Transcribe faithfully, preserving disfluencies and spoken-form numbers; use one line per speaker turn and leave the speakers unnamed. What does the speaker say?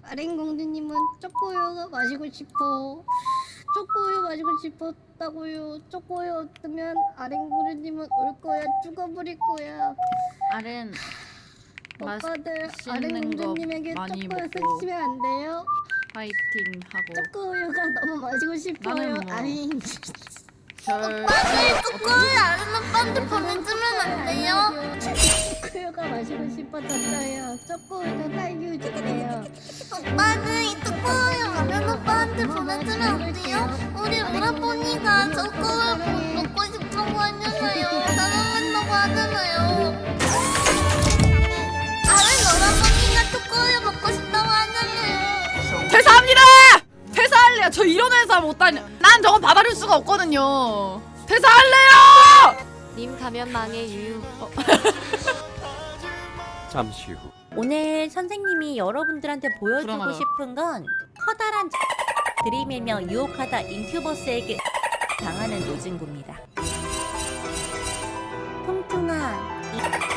아랭 공주님은 초코우유가 마시고 싶어. 초코우유 마시고 싶었다고요. 초코우유 없으면 아랭 공주님은 울 거야. 죽어버릴 거야.
아렌
오빠들 아랭
맛있는 거
공주님에게
많이
초코우유
먹고
쓰시면 안 돼요?
파이팅 하고
초코우유가 너무 마시고 싶어요.
나는 뭐
아니
별
오빠들 초코우유 아는 오빠한테 보내주면 안 돼요?
초코우유가 마시고 싶어졌어요. 초코우유가 딸기 주세요.
오빠는 이 초코우유 아는 오빠한테 보내주면 안 돼요? 우리 오라버니가 초코우유 먹고 싶다고 하잖아요. 짜장면다고 하잖아요. 아는 오라버니가 초코우유 먹고 싶다고 하잖아요.
퇴사합니다! 퇴사할래요. 저 이런 회사 못 다녀. 난 저거 받아줄 수가 없거든요. 퇴사할래요!
님 가면 망해 유유.
어.
잠시 후.
오늘 선생님이 여러분들한테 보여주고
불안하다.
싶은 건 커다란 들이밀며 유혹하다 인큐버스에게 당하는 노진구입니다. 통통아, 이